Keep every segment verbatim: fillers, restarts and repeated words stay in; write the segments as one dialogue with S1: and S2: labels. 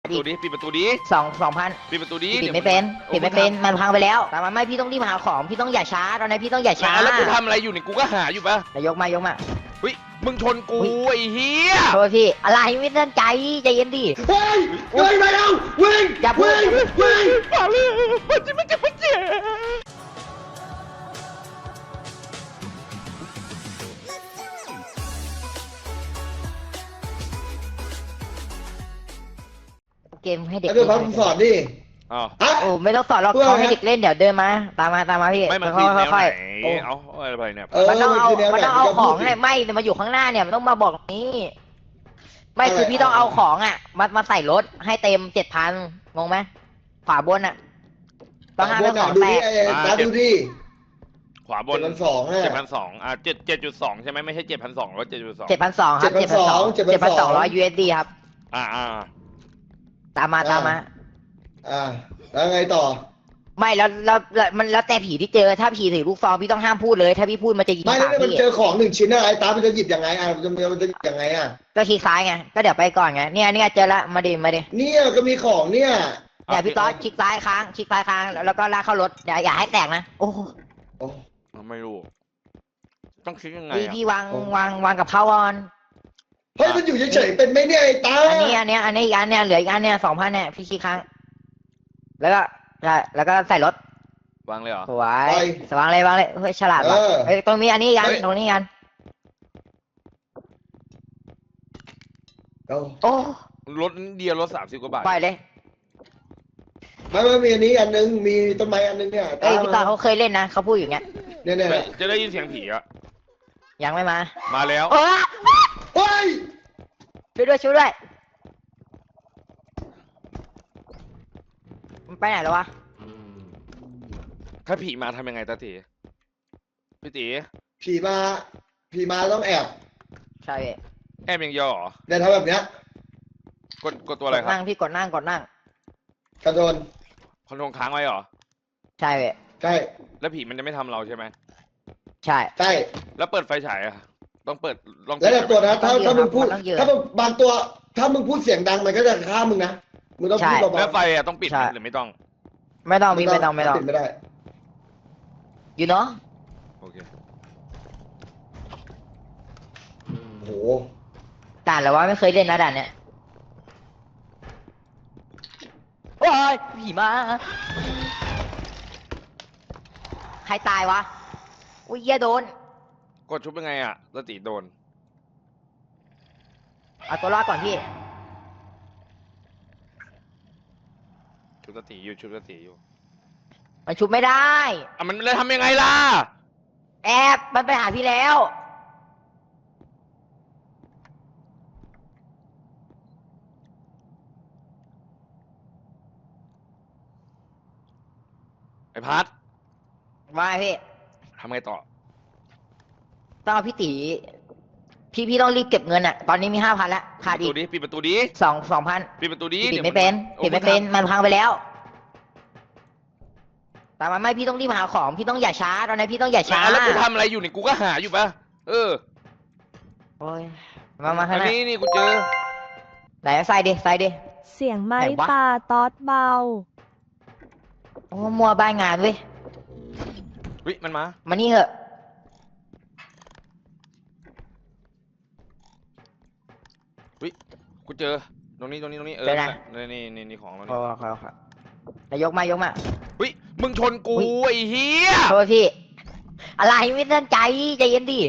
S1: ประตูดิปิดประตูดิ
S2: สองสองพัน
S1: ปิดประตูดิ
S2: ปิดไม่เป็นปิดไม่เป็นมันพังไปแล้วแต่มันไม่พี่ต้องรีบหาของพี่ต้องอย่าช้าตอนนี้พี่ต้องอย่าช้า
S1: แล้วกูทำอะไรอยู่เนี่ยกูก็หาอยู่ปะ
S2: ยกมายกมา
S1: เฮ้ยมึงชนกูไอ้เหี้ย
S2: โทษพี่อะไรไม่ตั้งใจใจเย็นดิ
S3: เฮ้ยเฮ้ยไปแล้ววิ่ง
S2: อย่าพูด
S3: วิ่ง
S1: มาเลยมันจะไม่จะไม่เจ็บ
S2: เกมให้เด็ก
S3: แล้วเดี๋ยวพักสอนดิ
S1: อ๋อ
S2: โอ้ไม่ต้องสอนหรอกเขาให้เด็กเล่นเดี๋ยวเดินมาตามมาตามมาพี่
S1: ไม่มันคือแนวไหนเอาอะไรเนี่ย
S2: มันต้องเอามันต้องเอาของให้ไม่มาอยู่ข้างหน้าเนี่ยมันต้องมาบอกนี้ไม่คือพี่ต้องเอาของอ่ะมามาใส่รถให้เต็มเจ็ดพันงงไหมขวาบนอ่ะต้องห้ามให้ของแตก
S3: ตาดูดิ
S1: ขวาบนเจ็ดพันสองเจ็ดพันสองอ่าเจ็ดเจ็ดจุดสองใช่ไหมไม่ใช่เจ็ดพันสองร้อยเจ็ดจุดสอง
S2: เจ็ดพันสองครับเจ็ดพันสองเจ็ดพันสองร้อยยูเอสดีครับ
S1: อ่าอ่า
S2: ตามมาตามมา
S3: อ่าแล้วไงต่อ
S2: ไม่แล้วแล้วมันแล้วแต่ผีที่เจอถ้าผีถือลูกซองพี่ต้องห้ามพูดเลยถ้าพี่พูดมันจะยิง
S3: ไม่แล้วมันเจอของหนึ่งชิ้นอะไรตามันจะหยิบยังไงอ่ะมันจะมันจะหยิบยังไงอ่ะ
S2: ก็คลิกซ้ายไงก็เดี๋ยวไปก่อนไงเนี่ยเนี่ยเจอละมาดิมาดิ
S3: เนี่ยก็มีของเนี่ย
S2: เนี่ยพี่ต๊อดคลิกซ้ายค้างคลิกซ้ายค้างแล้วก็ลากเข้ารถอย่าอย่าให้แตกนะโอ้
S3: โอ้
S1: ไม่รู้ต้องคลิกยังไง
S2: พี่พี่วางวางวางกับเขาก่อน
S3: เฮ้ยมันอยู่เฉยๆเป็นไหมเนี่ยไอ้ตา
S2: อันนี้อันนี้อันนี้อีกอันเนี่ยเหลืออีกอันเนี่ยสองพันเนี่ยพี่คลิกค้างแล้วก็ใช่แล้วก็ใส่รถ
S1: วางเลยเหรอ
S2: สวยสว่างเลยวางเลยเฮ้ยฉลาดว่ะเฮ้ยตรงนี้อันนี้กันตรงนี้กันโอ้
S1: รถเดียวรถสามสิบกว่าบาท
S2: ปล่อยเลย
S3: ไม่ไม่มีอันนี้อันนึงมีต้นไม้อันนึงเนี่ย
S2: เอ้ยพี่ตาเขาเคยเล่นนะเขาพูดอย่างเงี้ย
S3: เนี่ยเนี่ย
S1: จะได้ยินเสียงผีอะ
S2: ยังไม่มา
S1: มาแล้ว
S3: เฮ้ย
S2: ช่วยด้วยช่วยด้วยมันไปไหนแล้ววะ
S1: ถ้าผีมาทำยังไงตาตีพี่ตี
S3: ผีมาผีมาต้องแอบ
S2: ใช่
S1: แอบยังย่อ
S3: เนี่ยทำแบบเนี้ย
S1: กดกดตัวอะไรครับ
S2: นั่งพี่กดนั่งกดนั่ง
S3: กระโดน
S1: คอนโทรลค้างไว้เหรอ
S2: ใช่เว้ย
S3: ใช่
S1: แล้วผีมันจะไม่ทำเราใช่ไหม
S2: ใช่
S3: ใช่
S1: แล้วเปิดไฟฉายอะต้องเปิดลอง
S3: แล้วแต่ตัวนะถ้าถ้ามึงพูดถ้าบางตัวถ้ามึงพูดเสียงดังมันก็จะฆ่ามึงนะมึงต้องพูดเบาๆ
S1: แล้วไฟอะต้องปิดหรือไม่ต้อง
S2: ไม่ต้องมีไม่ต้องไม่ต้อง
S3: ปิดไม่ได้
S2: อยู่เนาะ
S1: โอเค
S3: โห
S2: ด่านแล้วว่าไม่เคยเล่นนะด่านเนี้ยโอ้ยผีมาใครตายวะอุ้ยเหี้ยโดน
S1: กดชุบยังไงอะสติโดน
S2: เอาตัวรอดก่อนพี่
S1: ชุบสติอยู่ชุบสติอยู่
S2: มันชุบไม่ได้
S1: อ่ะมันเลยทำยังไงล่ะ
S2: แอบมันไปหาพี่แล้ว
S1: ไอ้พัด
S2: ว่าพี่
S1: ทำไงต่อ
S2: ต้องเอาพี่ตีพี่พี่ต้องรีบเก็บเงินอ่ะตอนนี้มีห้าพันแล้วขาดอีก
S1: ปิดประตูดิ
S2: สองสองพัน
S1: ปิดประตูดิ
S2: ปิดไม่เป็นปิดไม่เป็นมันพังไปแล้วแต่มันไม่พี่ต้องรีบหาของพี่ต้องอย่าช้าตอนนี้พี่ต้องอย่าช้า
S1: แล้วกูทำอะไรอยู่เนี่ยกูก็หาอยู่ปะเออ
S2: โอ้ยมามาข้างหน้า
S1: นี่นี่กูเจอ
S2: ไหนใส่ดิใส่ดิ
S4: เสียงไม้ปลาตอดเบา
S2: โอ้มัวบ้านงานเว้ย
S1: วิมันมา
S2: มานี่เหอะ
S1: วิกูเจอตรงนี้ตรงนี้ตรงนี้เออนี่นี่นี่ของเรา
S2: เนี่ยครับครับนายกมายกมา
S1: วิมึงชนกูไอ้เหี้ย
S2: โทษพี่อะไรไม่ตั้งใจใจเย็นดิ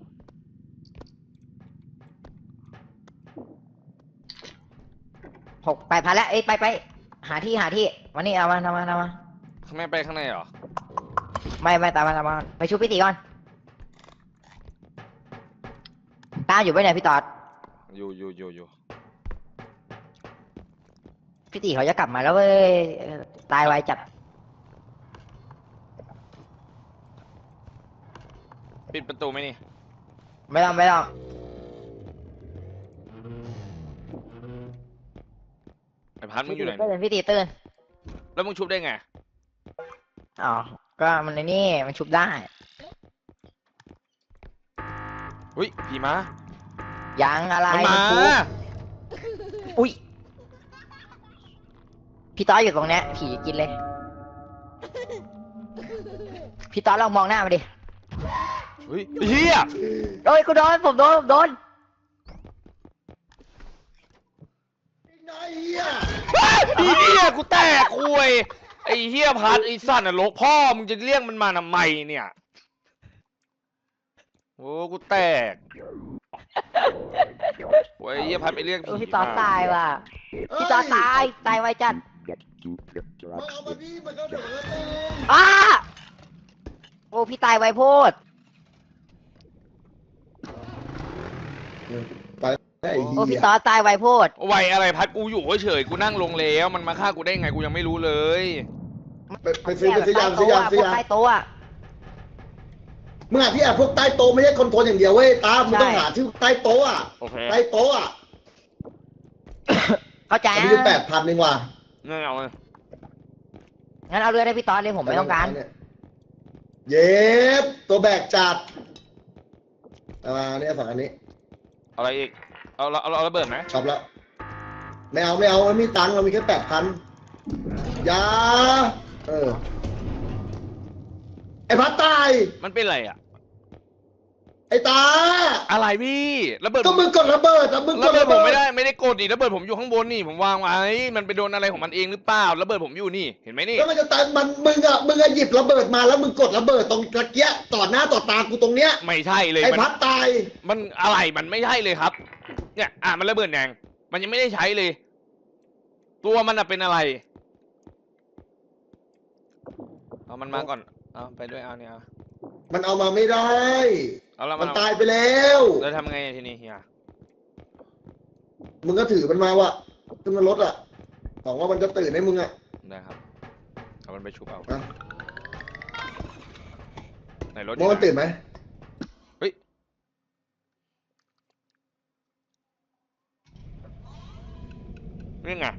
S2: หกไปพันแล้วเอ้ยไปไปหาที่หาที่มานี่เอามาเอามาเอามา
S1: ข้างในไปข้างในเหรอ
S2: ไม่ไม่ตามมาตามมาไปชุบพี่ตีก่อนตาอยู่ไปไหนพี่ตอด
S1: อยู่อยู่อยู่อยู่
S2: พี่ตีเขาจะกลับมาแล้วเว้ยตายไวจัด
S1: ปิดประตูไหมนี่
S2: ไม่ต้องไม่ต้อง
S1: ไอ้พัดมึงอยู่ไหน
S2: พี่ตีตื่น
S1: แล้วมึงชุบได้ไง
S2: อ๋อก็มันในนี่มันชุบได้
S1: อุ้ยผีมา
S2: ยังอะไร
S1: มันมา
S2: อุ้ยพี่ต๊อดอยู่ตรงเนี้ยผีกินเลย พี่ต๊อดลองมองหน้ามาดิ
S1: เฮ้ยเฮีย
S2: โอ้ยกูโดนผมโดนผมโดน
S3: ไอ้เหี้ย
S1: ไอ้เฮียกูแตกคุยไอ้เฮียพัดไอ้สัตว์นรกพ่อมึงจะเรียกมันมาทำไมเนี่ยโอ้กูแตกโอ้ยไอ้เฮียพัดไปเรียก
S2: เออ
S1: ผี
S2: พี่ต๊อด
S1: มา
S2: ตายว่ะพี่ต๊อดตายตายไวจัด
S3: มันเอามาดิมันก็เดี๋ยวมันก็เต็ม
S2: อ้าโอ้พี่ตายไวโพด
S3: ไปไอ้
S2: โอ้
S3: เหี้
S2: พี่
S3: ย
S2: ต๊อดตายไวโพด
S1: ไวอะไรพัดกูอยู่เฉยๆกูนั่งลงแล้วมันมาฆ่ากูได้ไงกูยังไม่รู้เลย
S3: ไปไปซื้อไปซื้อยาซื้อยาซื้อยา
S2: ใต้โต๊ะอะ
S3: มึงหาที่แอบพวกใต้โต๊ะไม่ใช่คอนโทรลอย่างเดียวเว้ยตามึงต้อง
S2: ใช่
S3: หาที่ใต้โต๊ะอ่ะ
S1: โอเค
S3: ใต้โต๊ะอ่ะ
S2: เข้าใจ
S3: อัน
S2: นะ
S3: นี้แปดพันเองว่ะ
S1: งั้นเอาเลย
S2: งั้นเอาเรือได้พี่ต๊อดเลยผมไม่ต้องการ
S3: เย็บตัวแบกจัดเอามาเนี่ยฝั่งอันนี้
S1: อะไรอีกเอาเอาเอาระเบิดไหม
S3: ชอบแล้วไม่เอาไม่เอาไม่มีตังค์เรามีแค่แปดพันยาเออไอ้พัดตาย
S1: มันเป็นอะไรอ่ะ
S3: ไอ้ตา
S1: อะไรพี่ระเบิด
S3: ก็มึงกดระเบิดอะมึงก
S1: ระ
S3: ด
S1: เบิด
S3: ระ
S1: ผ
S3: เบิ
S1: ม
S3: ด
S1: ไม่ได้ไม่ได้กดดิระเบิดผมอยู่ข้างบนนี่ผมวางไว้มันไปโดนอะไรของมันเองหรือเปล่าระเบิดผมอยู่นี่เห็นไหมนี่
S3: แล้วมันจะตายมันมึงอะมึงอะหยิบระเบิดมาแล้วมึงกดระเบิดตรงตะเกียะต่อหน้าต่อตากูตรงเนี้ย
S1: ไม่ใช่เลย
S3: ไอ้
S1: มัน
S3: พัดตาย
S1: มันอะไรมันไม่ใช่เลยครับ เนี่ยอ่ะมันระเบิดแดงมันยังไม่ได้ใช้เลย ตัวมันอะเป็นอะไรเอามันมาก่อนเอาไปด้วยเอาเนี่ยเอา
S3: มันเอามาไม่ได้
S1: เอาแล้ว
S3: มั
S1: มัน นเอา
S3: ตายไปแล้ว
S1: แล้วทำไงทีนี้เฮีย
S3: มึงก็ถือมันมาวะขึ้นมารถอะหวังว่ามันจะตื่นให้มึงอะ
S1: ได้ครับเอามันไปชุบเอา
S3: อ่ะ
S1: ไหนรถ
S3: มองมันตื่นไหม
S1: นี่ไง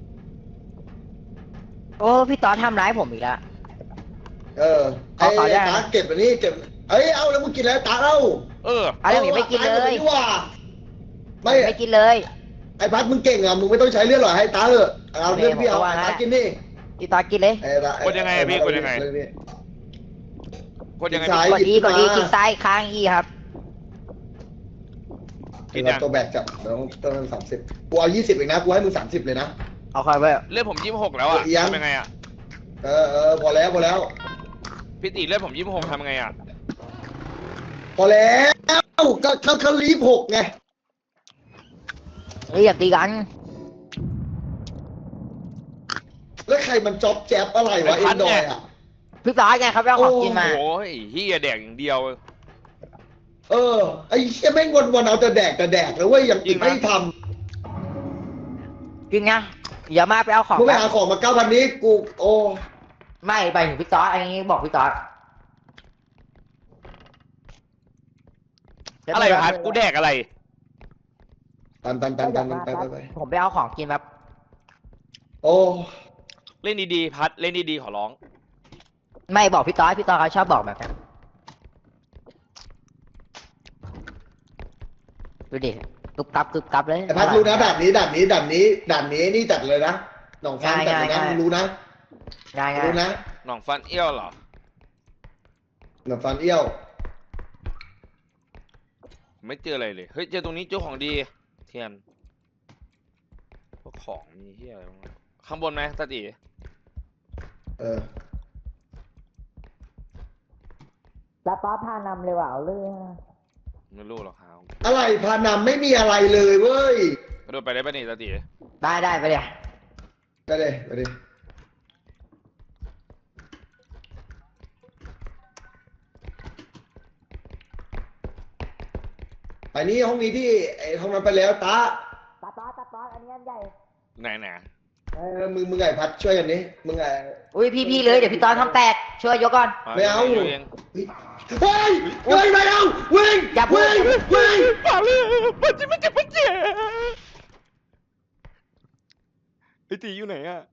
S2: โอ้พี่ต๊อดทำร้ายผมอีกแล้ว
S3: เออไอ้
S2: ขอขอได้ไหม
S3: ตาเก็บอันนี้เก็บเอ้ยเอาแล้วมึงกินแล้วตาเล่า
S1: เออ
S2: เอาเรื่องนี้ไม่กินเลย
S3: อาว่ะไม่
S2: ไม่กินเลย
S3: ไอ้พัดมึงเก่งอะมึงไม่ต้องใช้เลือดหรอกให้ตาเถอะเอาเลือดพี่เอา
S2: ผมก็ว่า
S3: ไอ้
S2: งั้น
S3: ตากินนี่
S2: พี่ต๊อดกินเลย
S3: ไอ้ตาก
S1: ดยังไงอะพี่กดยังไง
S3: เลือนี่
S1: กดยังไง
S3: ซ้าย
S2: กดอีกดอี
S3: หยิบขึ้นมา
S2: คลิกซ้ายค้างอีครับ
S1: กิน
S3: เรา
S1: ยัง
S3: ตัวแบกจับเดี๋ยวต้องสามสิบกูเอายี่สิบเองนะกูให้มึงสามสิบเลยนะ
S2: เอาคอยไว้
S1: เลือดผมยี่สิบหกแล้วอ่ะ
S3: เอียง
S1: ทำยังไงอ่ะ
S3: เออเออพอแล้วพอแล้ว
S1: พี่ตีเลือดผมยี่สิบหกทำยังไงอ่ะ
S3: พอแล้วก็เขาเขาลีฟหกไง
S2: เฮ้ยอย่าตีกัน
S3: แล้วใครมันจ็อบแจ๊บอะไรวะ
S1: ไอ้
S3: เอ็
S1: พั
S3: น
S1: ด
S3: ดอ
S1: ไง
S3: ยอ่ะ
S2: พี่ต๊อดไงครับเราของกินมา
S1: โอ้ยเฮียแดกอย่างเดียว
S3: เออไอ้เชี่ยแม่งวันวันๆเอาแต่แดกแต่แดกแล้วเว้ยอย่างอื่น
S1: จริงนะ
S3: ไม่ท
S2: กินไงอย่ามาไปเอาของ
S3: ำมึงไป
S2: แบบ
S3: หาของมาเก้าพันนี้กูโอ้
S2: ไม่ไปถึงพี่ต๊อดอันนี้บอกพี่ต๊อด
S1: อะไรพัดกูแดกอะไร
S3: ตันตันตันตันตันไปไปไป
S2: ผมไปเอาของกินแบบ
S3: โอ้
S1: เล่นดีๆพัดเล่นดีๆขอร้อง
S2: ไม่บอกพี่ต๊อดพี่ต๊อดเขาชอบบอกแบบนั้นดูดิกึบกับกึบกับเลย
S3: ไอ้พัดรู้นะด่านนี้ด่านนี้ด่านนี้ด่านนี้นี่จัดเลยนะหนองฟันจัดเลยนะ
S2: ง่ายๆ
S3: มึงรู้นะ
S2: ง่ายง่าย
S3: รู้นะ
S1: หน่องฟันเอี้ยวเหรอ
S3: หนองฟันเอี้ยว
S1: ไม่เจออะไรเลยเฮ้ยเจอตรงนี้เจอของดี เทียนพวกของมีเฮียอะไรบ้างวะข้างบนไหมตาตี
S3: เออ
S2: แล้วต๊อดพานำเลยว่ะเอาเรื่อง
S1: ไม่รู้หรอกครับ
S3: อะไรพานำไม่มีอะไรเลยเว้ย
S1: กระโดดไปได้ปะนี่ตาตี
S2: ได้ได้ไปเลย
S3: ไปเลยไปดิอันนี้ห้องนี้ที่ไอ้ห้องนั้นไปแล้วตา
S2: ตาต๊อดตาต๊อดอันนี้อันใหญ่
S1: ไหนไหน
S3: เออมึงมึงไงพัดช่วยกันนี้มึงไง
S2: อุ้ยพี่พี่เลยเดี๋ยวพี่ต๊อดทำแตกช่วยยกก่อน
S3: ไม่เอา
S1: ดี๋ยวเอง
S3: เฮ้ยเฮ้ยเฮ้ยไม่เอาวิ่ง
S2: อย่าพูด
S3: วิ่งวิ่ง
S1: ป่าเลยมันจะมันจะมันจะไอตีอยู่ไหนอะ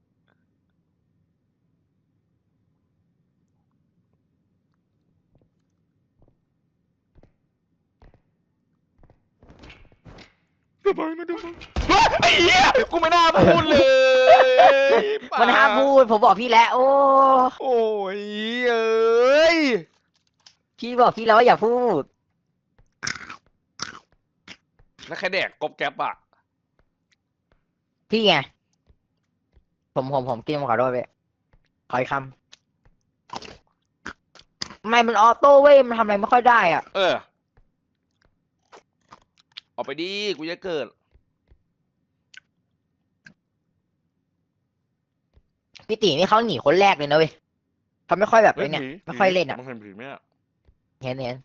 S1: สบายนะเดี๋ยวไอ้เหี้ยกูไม่น่าพูดเลยป่า
S2: มันห้ามพูดผมบอกพี่แล้วโอ้
S1: โอ้ยเอ้ย
S2: พี่บอกพี่แล้วว่าอย่าพูด
S1: แล้วใครแดกกบแก๊บอ่ะ
S2: พี่ไงผมผมผมกินผมขอโทษไปขออีกคำทำไมมันออโต้เว้ยมันทำอะไรไม่ค่อยได้อ่ะ
S1: เออออกไปดิกูจะเกิด
S2: พี่ตีนี่เขาหนีคนแรกเลยนะเว้ยเขาไม่ค่อยแบบ
S1: เฮ้
S2: ไอ้
S1: ย
S2: เนี่ย
S1: ผี
S2: ไม่ค่อยเล่นอ่ะ
S1: มันเห็นผีไหมอะ
S2: เห็นเห็น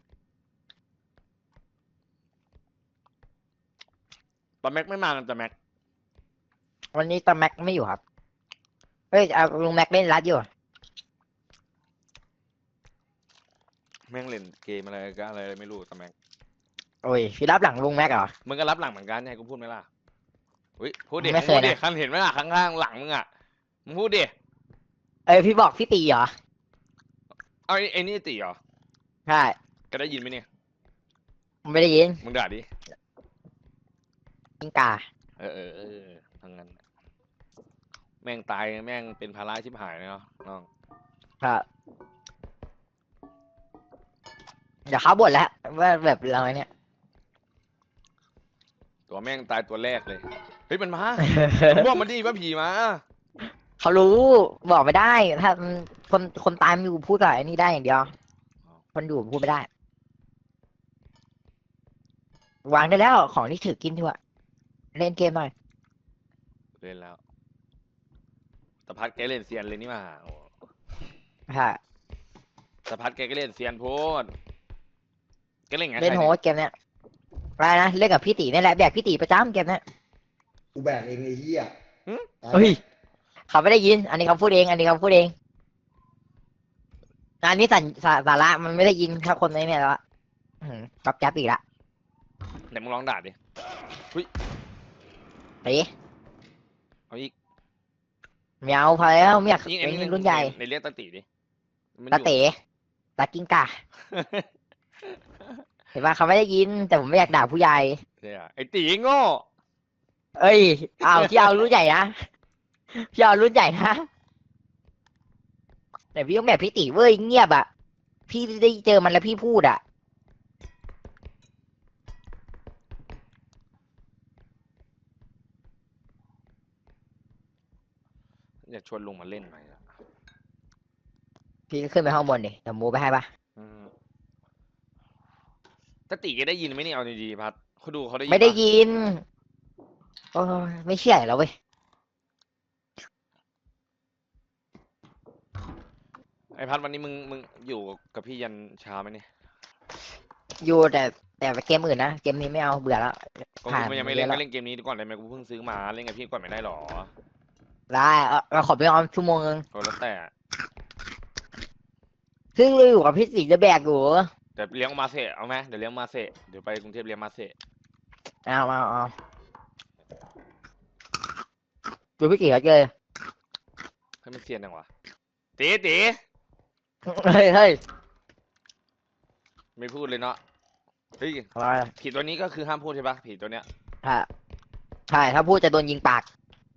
S1: ตอนแม็กไม่มากันแต่แม็ก
S2: วันนี้ตาแม็กไม่อยู่ครับเฮ้ยเอาลุงแม็กเล่นรัดอยู่
S1: แม่งเล่นเกมอะไรก็อะไรไม่รู้แต่แม็ก
S2: โอ้ยพี่รับหลังลุงแม็กเหรอ
S1: มึงก็รับหลังเหมือนกันให้กูพูดไหมล่ะเฮ้ยพูดดิ
S2: ไม่
S1: มึง
S2: เคย
S1: พูดดิ
S2: นะ
S1: คันเห็นไหมล่ะข้างล่างหลังมึงอ่ะมึงพูดดิ
S2: เอ้ยพี่บอกพี่ตีเหรอ
S1: เอาไอ้ไอ้นี่ตีเหรอ
S2: ใช่
S1: ก็ได้ยินไหมเนี่ย
S2: ไม่ได้ยิน
S1: มึงด่าดิ
S2: กิงกา
S1: เออเออเออทั้งนั้นแม่งตายแม่งเป็นภาระชิบหายเลยเนาะน้อง
S2: ครับเดี๋ยวเขาบ่นแล้วว่าแบบเราเนี่ย
S1: ตัวแม่งตายตัวแรกเลยเฮ้ยมันมามึงบอกมันดิว่าผีมา
S2: เขารู้บอกไม่ได้ ถ้าคนคนตายมันอยู่พูดกับไอ้นี่ได้อย่างเดียว คนอยู่พูดไม่ได้ วางได้แล้วของที่ถือกินดีกว่าเล่นเกมหน่อย
S1: เล่นแล้วตะพัดแกเล่นเซียนเลยนี่มาโอ้
S2: ใช่
S1: ตะพัดแกก็เล่นเซียนโพดแกเล่นไง
S2: เล่นโฮสเกมเนี้ยอะไรนะเล่นกับพี่ตีนี่แหละแบกพี่ตีประจำเกมเนี้ย
S3: กูแบกเองไอ้เหี้ย
S2: เฮ้ยเขาไม่ได้ยิน อันนี้เขาพูดเอง อันนี้เขาพูดเองอันนี้สาสาสาระมันไม่ได้ยินถ้าคนในเนี่ยแล้วอะอื้อหือจับจับอีกละ
S1: ไหนมึงลองด่าดิ
S2: เฮ้ย
S1: เอาอีก
S2: ไม่เอาพอแล้วไม่อยาก
S1: ยิง
S2: เป็
S1: ไอ้นี่
S2: นรุ่นใหญ่
S1: ในเรียกตาตีดิมัน
S2: ตา
S1: อยู่
S2: เต๋ตากิ้งก่าเห็นว่าเขาไม่ได้ยิน แต่ผมไม่อยากด่าผู้ใหญ่
S1: เนี่ยไอ้ตีโง่
S2: เอ้ยเอาพี่เอารุ่นใหญ่นะพี่เอารุ่นใหญ่นะแต่พี่ต้องแบบพี่ตีเว้ยเงียบอ่ะ พี่ได้เจอมันแล้วพี่พูดอ่ะ
S1: อยากชวนลุงมาเล่นหน่อยอะ
S2: พี่ก็ขึ้นไปห้องบนดิเดี๋ยวมูไปให้ปะ
S1: อืมตาตีแกได้ยินไหมเนี่ยเอาดีๆพัดเขาดูเขาได้ยิน
S2: ไม่ได้
S1: ปะ
S2: ยินโอ้ยไม่เชื่อแล้วเว้ย
S1: ไอ้พัดวันนี้มึงมึงอยู่กับพี่ยันเช้าไหมเนี่ย
S2: อยู่แต่แต่เกมอื่นนะเกมนี้ไม่เอาเบื่อแล้ว
S1: ก็
S2: ผ่าน
S1: กูยังไม่
S2: เย
S1: เล่น
S2: อะแล้
S1: ก็
S2: ว
S1: เล่นเกมนี้ก่อนเลยไหมกูเพิ่งซื้อมาเล่นกับพี่ก่อนไม่ได้หรอ
S2: ได้เอาเราขอไปออมชั่วโมงนึง
S1: ก็แล้วแต่
S2: ซึ่งเราอยู่กับพี่สีจะแบกอยู่
S1: เดี๋ยวเลี้ยงมาเสะเอาไหมเดี๋ยวเลี้ยงมาเสะเดี๋ยวไปกรุงเทพเลี้ยงมาเสะ
S2: เอาเอาเอาดูพี่สีเขาเจอ
S1: ให้มันเซียนจังวะตีตี
S2: เฮ้ยเฮ้ย
S1: ไม่พูดเลยเนาะเฮ้ย
S2: อะไร
S1: ผีตัวนี้ก็คือห้ามพูดใช่ปะผีตัวเนี้ย
S2: ใช่ใช่ถ้าพูดจะโดนยิงปาก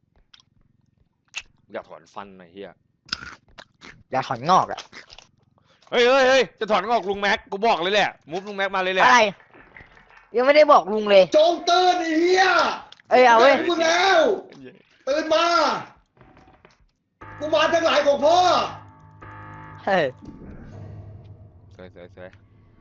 S1: อยากถอนฟันหน่อยเฮีย
S2: อย่าถอนงอกอะ
S1: เฮ้ยเฮ้ยเฮ้ยจะถอนงอกลุงแม็กกูบอกเลยแหละมุฟลุงแม็กมาเลยแหละ
S2: อะไร ยังไม่ได้บอกลุงเลย
S3: จงตื่นไอ้เหี้ย
S2: เอ้ยเอาเว้ย
S3: แบกมึงแล้ว ตื่นมา กูมาทั้งหลายของพ่อ
S2: เฮ้ย
S1: สวยสวยสวย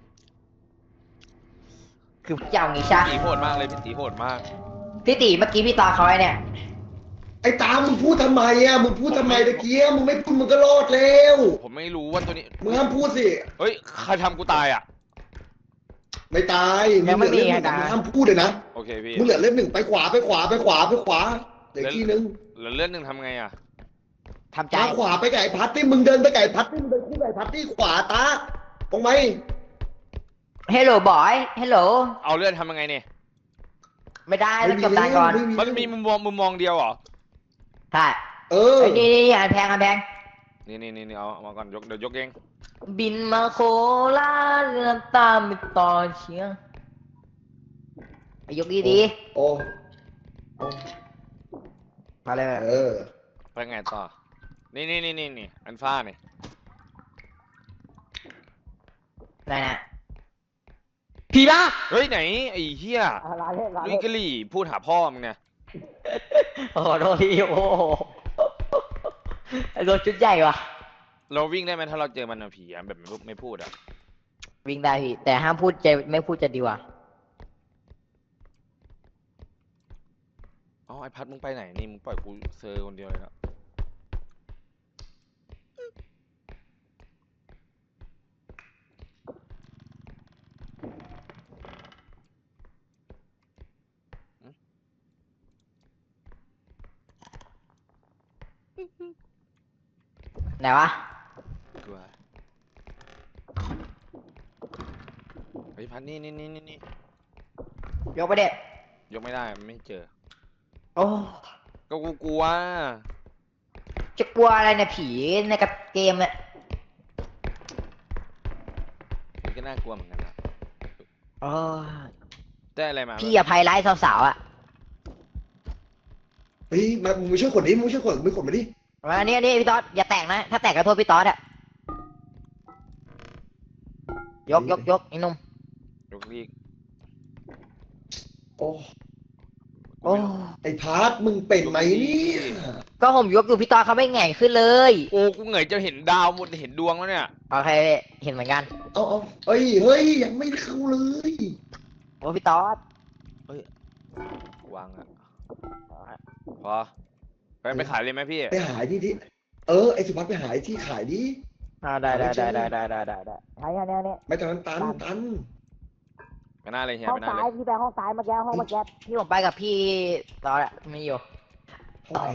S2: คือพี่จะเอางี้ใช่
S1: ตีโหดมากเลยพี่ตีโหดมาก
S2: พี่ตีเมื่อกี้พี่ตาเขาไอ้เนี่ย
S3: ไอ้ตามมึงพูดทำไมอ่ะ มึงพูดทำไมตะเกียมึงไม่พูดมึงก็รอดแล้ว
S1: ผมไม่รู้ว่าตัวนี้
S3: มึงห้ามพูดสิ
S1: เฮ้ยใครทำกูตายอ่ะ
S3: ไม่ตาย
S2: ยังไม่มี
S3: เหลือเล่มหนึ่ง
S2: ไง
S3: มึง
S2: ตา
S3: ห้ามพูดเลยนะ
S1: โอเคพี่
S3: มึงเหลือเล่มหนึ่งไปขวาไปขวาไปขวาไปขวาเหลือที่นึง
S1: แล้วเลื่อนหนึ่งทำไงอ่ะ
S2: ทำใจ
S3: ตาขวาไปไก่พัดที่มึงเดินไปไก่พัดที่มึงเดินคู่ไก่พัดที่ขวาตาตรงไหม
S2: เฮลโหลบอยเฮลโหล
S1: เอาเลื่อนทำยังไงเนี่ย
S2: ไม่ได้ต้องจบตายก่อน
S1: มันมีมุมมองมุมมองเดียวเหรอ
S2: ใช่
S3: เออ
S2: เอ้ยนี่นี่อันแพงอันแพง
S1: นี่นี่นี่เอาเอามาก่อนยกเดี๋ยวยกเอง
S2: บินมาโคราชเรือตามไปต่อเชียงไปยกดีดี
S3: โอ้โอ้
S2: ๆมาเลย
S3: เออ
S1: ไปไงต่อนี่นี่นี่นี่นี่อันฟ้าเนี่ย
S2: ไหนนะผีบ้า
S1: เฮ้ยไหนไอ้เหี้ย
S2: ลาเล่นลา
S1: ลุย
S2: เล่น
S1: กะหลี่พูดหาพ่อมึงเนี่ย
S2: โอ้โหโดนพี่โอ้โหไอ้โดนชุดใหญ่ว่ะ
S1: เราวิ่งได้ไหมถ้าเราเจอมันอะผีอะแบบไม่ไม่พูดอะ
S2: วิ่งได้พี่แต่ห้ามพูดจะไม่พูดจะดีกว่า
S1: อ๋อไอพัดมึงไปไหนนี่มึงปล่อยกูเซอร์คนเดียวเลยนะ
S2: ไหนวะ
S1: กลัวไอพัดนี่นี่นี่นี่นี่
S2: ยกไปเด็ด
S1: ยกไม่ได้มันไม่เจอ
S2: โอ้
S1: ก็กูกลัว
S2: จะกลัวอะไรเนี่ยผีในกับเกมเนี่ย
S1: มันก็น่ากลัวเหมือนกันนะ
S2: โอ้
S1: ได้อะไรมา
S2: พี่อภัยร้ายสาวๆอ่ะ
S3: เฮ้ยมามึงมาช่วยขนดิมึงช่วยขนมึงขนมาดิ
S2: อันนี้อันนี้พี่ต๊อดอย่าแตกนะถ้าแตกก็โทษพี่ต๊อดอ่ะยกยกยกไอ้หนุ่ม
S1: ยกลีก
S3: โอ้
S2: โอ้
S3: ไอ้พาร์ทมึงเป็นไหมเนี่ย
S2: ก็ผมยกอยู่พี่ต๊อดเขาไม่แหง่งขึ้นเลย
S1: โอ้กูเหงยจะเห็นดาวหมดเห็นดวงแล้วเนี่ย
S2: โอเคเห็นเหมือนกัน
S3: เอาเอาเฮ้ยเฮ้ยยังไม่เข้าเลย
S2: โอ้พี่ต๊อด
S1: วางอะพอไปไปขายเลยไหมพี่
S3: ไปหาที่ที่เออไอ้สุภัสไปหาที่ขายดิ
S2: อ่าได้ได้ได้ได้ได้ได้ได้ได้ใช่อันนี้อันนี้
S3: ไม่ตอนนั้นตันตัน
S1: ไปหน้าเลยเฮีย
S2: ห้อ
S1: ไป
S2: ง
S1: หน้า
S2: ซ้า
S1: เลย ย
S2: พี่ไปห้องซ้ายเมื่อกี้ห้องเมื่อกี้ที่ผมไปกับพี่ต๊อดอะไม่อยู่
S3: ห้องไหน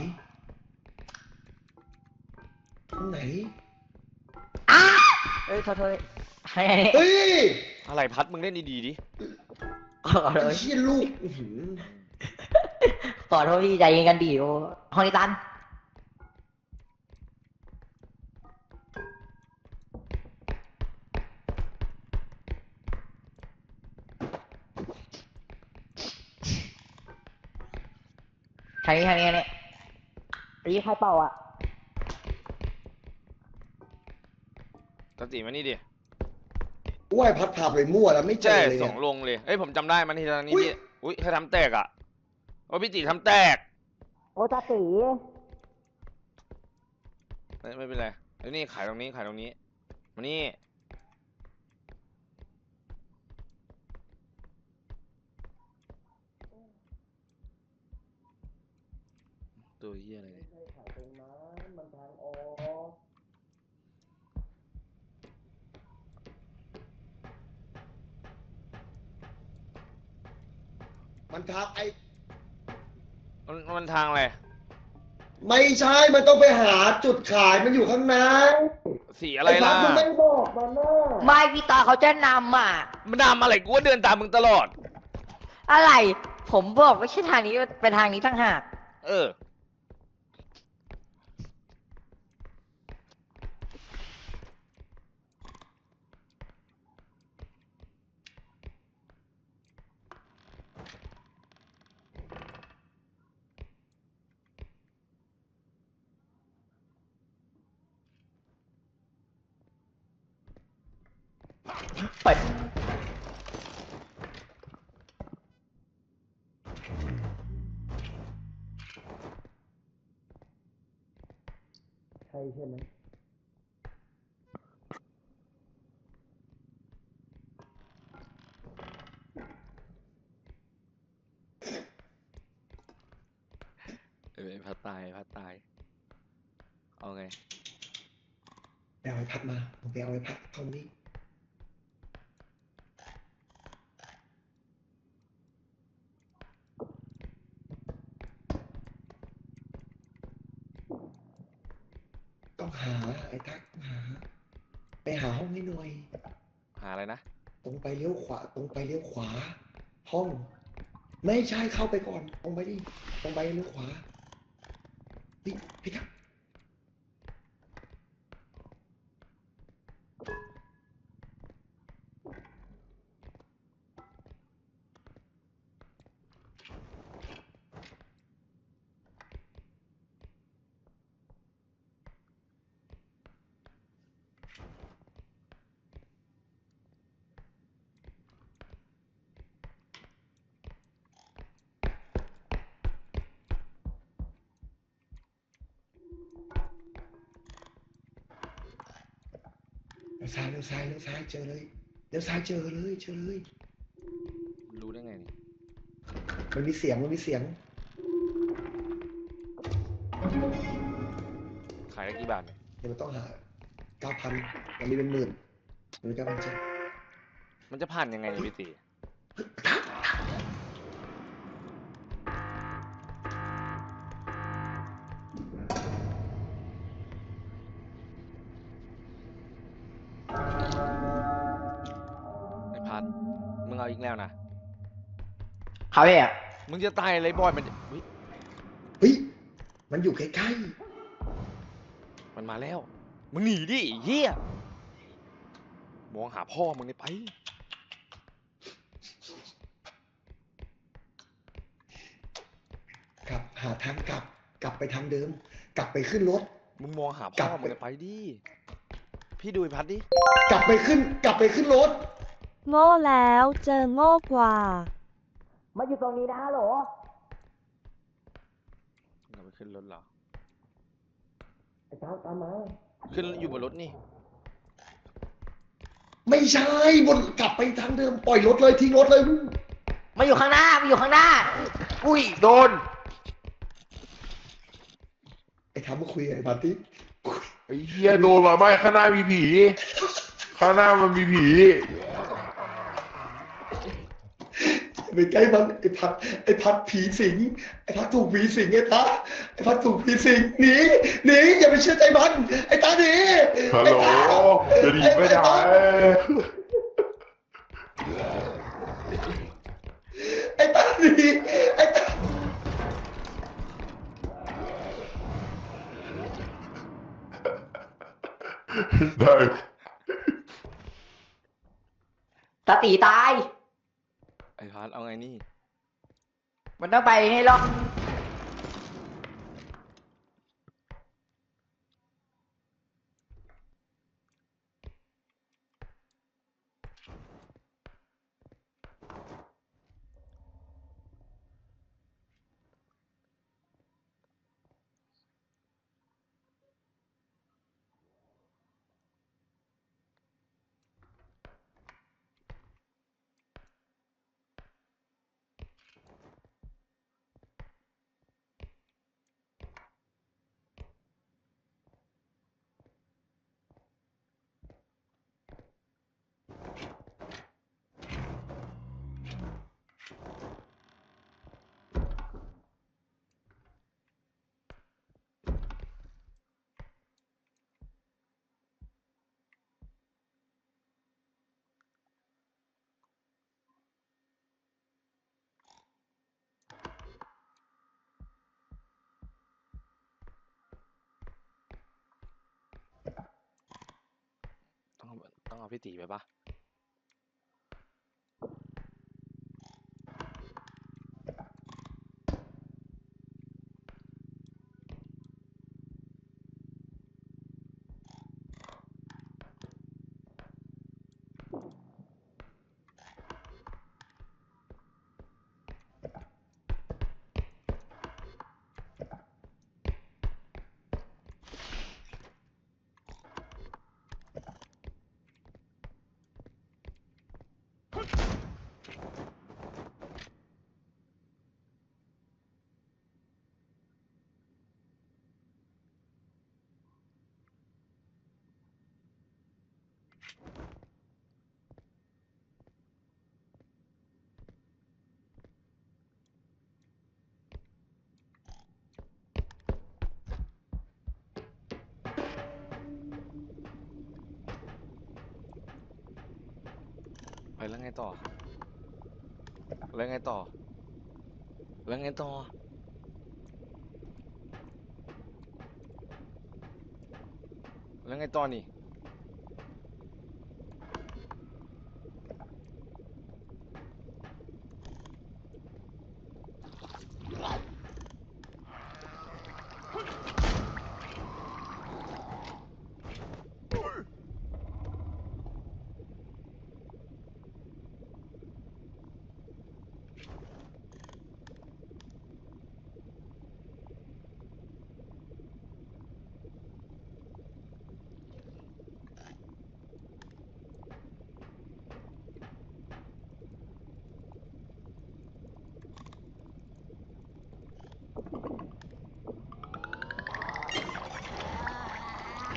S3: ห้องไหน
S2: อ้าเอ้ยโทษโทษใช่อันนี้
S3: เฮ้ย
S1: อะไรพัดมึงเล่นดีๆดิ
S2: ขอโท
S3: ไอ้
S2: ษ
S3: เชี่ยลูกอื้อหือ
S2: ขอโทษพี่ใจเย็นกันดีโอ้ห้องนี้ตันทางนี้ทางนี้ทางนี้รีบใครเป่าอ่ะ
S1: ตัดสีมานี่ดิ
S3: ว่าไอ้พัดพาไปมั่วแล้วไม่เจ
S1: ใช่
S3: อเลย
S1: ส
S3: เนี่
S1: อย งลงเลยเอ้ยผมจำได้มันทีละนี้
S3: อุ๊ย
S1: พี่อุ้ยใครทำแตกอ่ะว่าพี่ตีทำแตก
S2: โอ้ตาตี
S1: ไม่ไม่เป็นไรเดี๋ยวนี่ขายตรงนี้ขายตรงนี้มานี่ตัวเหี้ยอะไรเนี่ย
S3: มันทางไอ้
S1: มันมันทางอะไร
S3: ไม่ใช่มันต้องไปหาจุดขายมันอยู่ข้างใน
S1: สีอะไร
S3: ไอ้พั
S1: ล่ะ
S3: ดมึงไม่บอกมันนะ
S2: ไม่พี่ตาเขาจะนำอ่ะ
S1: มันทำอะไรกูว่าเดินตามมึงตลอด
S2: อะไร ผมบอกไม่ใช่ทางนี้เป็นทางนี้ทั้งหาก
S1: เออ
S2: เปิด
S3: ใช่ใช่ไหม
S1: เออพัดตายพัดตายเอาไง
S3: ไปเอาไอ้พัดมาผมไปเอาไอ้พัดเข้านี่ต้องหาไอ้ทักต้องหา ไปหาห้องให้หน่อย
S1: หาอะไรนะ
S3: ตรงไปเลี้ยวขวา ตรงไปเลี้ยวขวา ห้อง ไม่ใช่เข้าไปก่อน ตรงไปดิ ตรงไปเลี้ยวขวาพี่พี่ครับซ้ายเลี้ยวซ้ายเลี้ยวซ้ายเจอเลยเลี้ยวซ้ายเจอเลยเจอเลย
S1: รู้ได้ไงนี่
S3: มันมีเสียงมันมีเสียง
S1: ขายได้กี่บาทเนี่ย
S3: เดี๋ยวมันต้องหาเก้าพันมันมีเป็นหมื่นมันมีเก้าพันเจ็ด
S1: มันจะผ่านยังไงเนี่ยพี่ตีไอ้พัดมึงเอาอีกแล้วนะ
S2: เขาพี่อ่ะ
S1: มึงจะตายอะไรบอยมันอุ๊ย
S3: เฮ้ยมันอยู่ใกล้
S1: มันมาแล้ว มึงหนีดิไอ้เฮียมองหาพ่อมึงเลยไป
S3: ๆกลับหาทางกลับ กลับไปทางเดิม กลับไปขึ้นรถ
S1: มึงมองหาก
S3: ลั
S1: พ่อบ มึงเลยไปดิ พี่ดูไอ้พัดดิ
S3: กลับไปขึ้น กลับไปขึ้นรถ
S4: โง่แล้วเจอโง่กว่า
S2: มาอยู่ตรงนี้นะฮัลโหล
S1: มึงเอาไปขึ้นรถเหรอ
S3: ไอ้ตามตามมา
S1: ขึ้นอยู่บนรถนี่
S3: ไม่ใช่บนกลับไปทางเดิม ปล่อยรถเลยทิ้งรถเลย
S2: มาอยู่ข้างหน้ามาอยู่ข้างหน้า อุ้ยโดน
S3: ไอ้ทำมาคุยกับไอ้ปาร์ตี้
S5: ไอ้เหี้ยโดนมาไม่ข้างหน้ามีผี ข้างหน้ามันมีผี
S3: ไปใกล้มันไอ้พัดไอ้พัดผีสิงไอ้พัดถูกผีสิงไอ้ตาไอ้พัดถูกผีสิงหนีหนีอย่าไปเชื่อใจมันไอ้ตาหนี
S5: ฮัลโหลจะหนีไม่ได้
S3: ไอ้ตาหนีไอ้ตา
S5: ได้
S2: ตาตีตาย
S1: ไอ้พัดเอาไงนี่
S2: มันต้องไปให้รอด
S1: ต้องเอาต้องเอาพี่ตีไปปะไปแล้วไงต่อ แล้วไงต่อ แล้วไงต่อ แล้วไงต่อนี่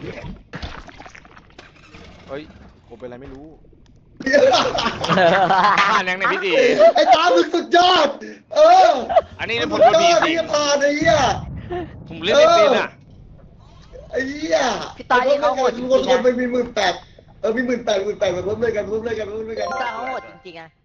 S1: เฮ้ยผมเป็นอะไรไม่รู้ ผ่านยังในยพี่ตี
S3: ไอ้ตามึงสุดยอด เออ
S1: อันนี้เนี่ยผ
S3: สุ
S1: ม
S3: ด
S1: โดน
S3: ย
S1: ผี
S3: อด
S1: สิ
S3: ที่
S1: ง
S3: จะผ่านไอ้เหี้ย
S1: ผมเล่นไม่เป็นอ่ะ
S3: ไอ้เหี้ย
S2: พี่ตอนนี้เขาโหดจริงๆ
S3: คนคน
S2: นะ
S3: ไปมีหมื่นแปดเออมีหมื่นแปดหมื่นแปดมาเพิ่มเลยกันเพิ่มเลยกันเพิ่มเลยกัน
S2: พี่ตอนเขาโหดจริงๆอะ